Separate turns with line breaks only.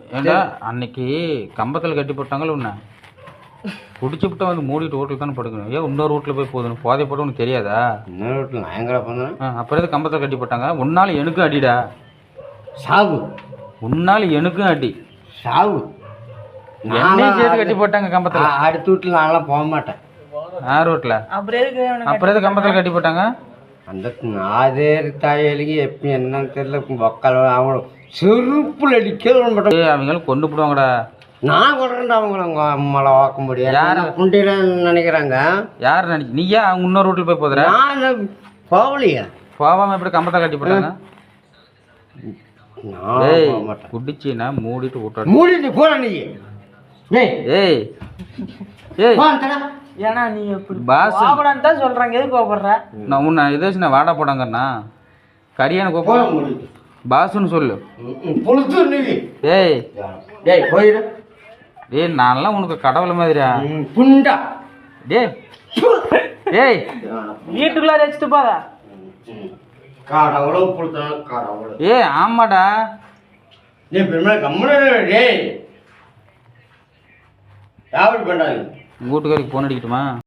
ஏண்டா அன்னைக்கு கம்பத்தில் கட்டி போட்டாங்களே உன்னை குடிச்சுவிட்டா வந்து மூடிட்டு ரோட்டில் தானே படுக்கணும். ஏன் இன்னொரு ரோட்டில் போய் போதும் போதை போட்டு உனக்கு தெரியாதா?
இன்னொரு ரோட்டில் நான் எங்கடா போனேன்?
அப்புறம் எது கம்பத்தில் கட்டி போட்டாங்க? உன்னாலும் எனக்கும் அடிடா.
சாவு.
உன்னாலும் எனக்கும் அடி.
சாவு.
என்னையும் சேர்த்து கட்டி போட்டாங்க கம்பத்தில்.
அடுத்த வீட்டில் நான்லாம் போக மாட்டேன்.
ரோட்டில் அப்புறம் எது கம்பத்தில் கட்டி போட்டாங்க?
அந்த அதே தாயலிக்கு எப்போ என்னன்னு தெரியல. மக்கள் அவங்க செருப்புல அடிக்கிறது மட்டும்.
அவங்களும் கொண்டு போடுவாங்கடா.
நான் கொண்டு அவங்கள அம்மாவை வாக்க முடியாது. யார் குண்டில நினைக்கிறாங்க? யார்
நினைச்சு நீயா அவங்க இன்னொரு ரோட்டில் போய் போதுற?
நான் போகலையா?
போகாம எப்படி கம்பத்தை கட்டி போட்டாங்க? குடிச்சின்னா மூடிட்டு விட்டு
மூடிட்டு போற நீ.
ஏய் ஏய்
ஏன்னா நீ எப்படி
பாஸ்
தான் சொல்றாங்க. எது கோபப்படுற?
நான் உன்னை எதாச்சும் வாடா போடாங்கண்ணா கரியான கோபம் பாசுன்னு சொல்லு. ஏய்
டேய் போயிடு.
டேய் நான்லாம் உனக்கு கடவுள் மாதிரியா?
புண்டா.
டேய் ஏய்
வீட்டுக்குள்ள வச்சுட்டு போதா
கடவுளும் புடுத்தான கடவுள்.
ஏய் ஆமாடா.
நீ பெருமை கம்முனு. டேய் யாவது பண்ணாங்க.
வீட்டுக்காரிக்கு ஃபோன் அடிக்கட்டுமா?